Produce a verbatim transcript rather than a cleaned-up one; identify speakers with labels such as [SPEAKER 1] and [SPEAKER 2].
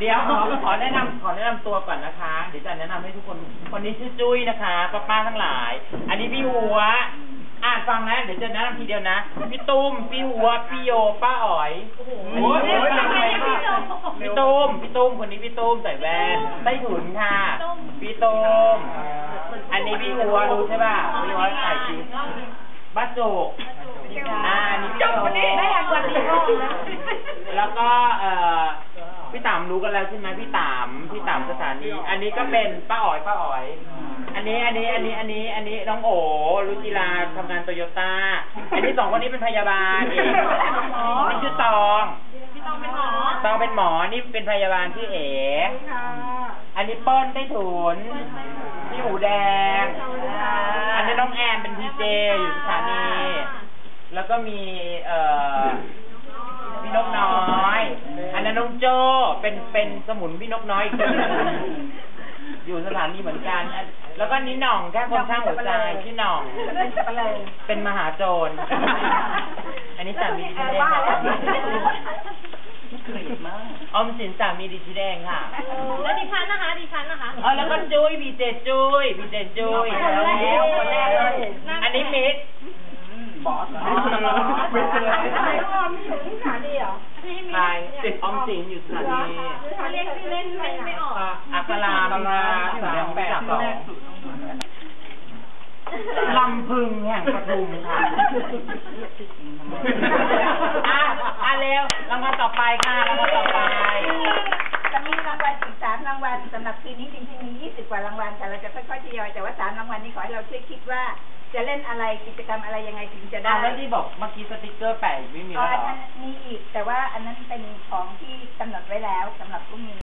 [SPEAKER 1] เดี๋ยวขอขอแนะนำขอแนะนำตัวก่อนนะคะเดี๋ยวจะแนะนำให้ทุกคนคนนี้ชื่อจุ้ยนะคะป้าป้าทั้งหลายอันนี้พี่หัวอ่านฟังนะเดี๋ยวจะแนะนำทีเดียวนะพี่ตุ้มพี่หัวพี่โยป้าอ๋อยโอ้โหพี่ตุ้มพี่ตุ้มคนนี้พี่ตุ้มใส่แว่นใต้ถุนค่ะพี่ตุ้มอันนี้พี่หัวรู้ใช่ป่ะพี่หัวใส่ชีสบ้าโจกอ่านี่พี่โจกคนนี้ได้ยังวันนี้แล้วก็เอ่อพี่ต๋ามรู้กันแล้วใช่ไหมพี่ต๋ามพี่ต๋ามสถานีอันนี้ก็เป็นป้าอ๋อยป้าอ๋อยอันนี้อันนี้อันนี้อันนี้อันนี้น้องโอรุจิราทำงานโตโยต้าอันนี้สองคนนี้เป็นพยาบาลเองนี่ชื่อตองพี่ตองเป็นหมอตองเป็นหมอนี่เป็นพยาบาลชื่อเอ๋อันนี้เปิ้ลได้ถุนพี่หูแดงอันนี้น้องแอนเป็นพีเจอยู่สถานีแล้วก็มีเอ่อพี่นกน้อยอันนั้นน้องโจเป็นเป็นสมุนพี่นกน้อยอีกคนอยู่สถานีเหมือนกันแล้วก็นี้หน่องแค่คนข้างหัวใจพี่หน่องเป็นมหาโจรอันนี้สามีดิฉันเองค่ะออมสินสามีดิฉันเองค่ะ
[SPEAKER 2] แล้วดิฉันนะคะดิฉันนะคะ
[SPEAKER 1] อ๋อแล้วก็จุ้ยพีเจจุ้ยพีเจจุ้ยอันนี้มิกบอสมิกเลยออมสินสถานีเหรอใช่ติดออมสินอยู่สถานี
[SPEAKER 2] เขาเรียกชื่อเล่นไม่ไม่ออก
[SPEAKER 1] อัคราอัคราสามแปดสองลำพึงแห่งปทุมค่ะอ่ะอ่ะเร็วรางวัลต่อไปค่ะรางวัลต่อไป
[SPEAKER 3] จะมีรางวัลอีกสามรางวัลสำหรับคืนนี้จริงๆมียี่สิบกว่ารางวัลแต่เราจะค่อยๆทยอยแต่ว่าสามรางวัลนี้ขอให้เราช่วยคิดว่าจะเล่นอะไรกิจกรรมอะไรยังไงถึงจะได้
[SPEAKER 1] แล้วที่บอกเมื่อกี้สติกเกอร์แปะไม่มีแล้วเหรอ
[SPEAKER 3] มีอีกแต่ว่าอันนั้นเป็นของที่กำหนดไว้แล้วสำหรับพรุ่งนี้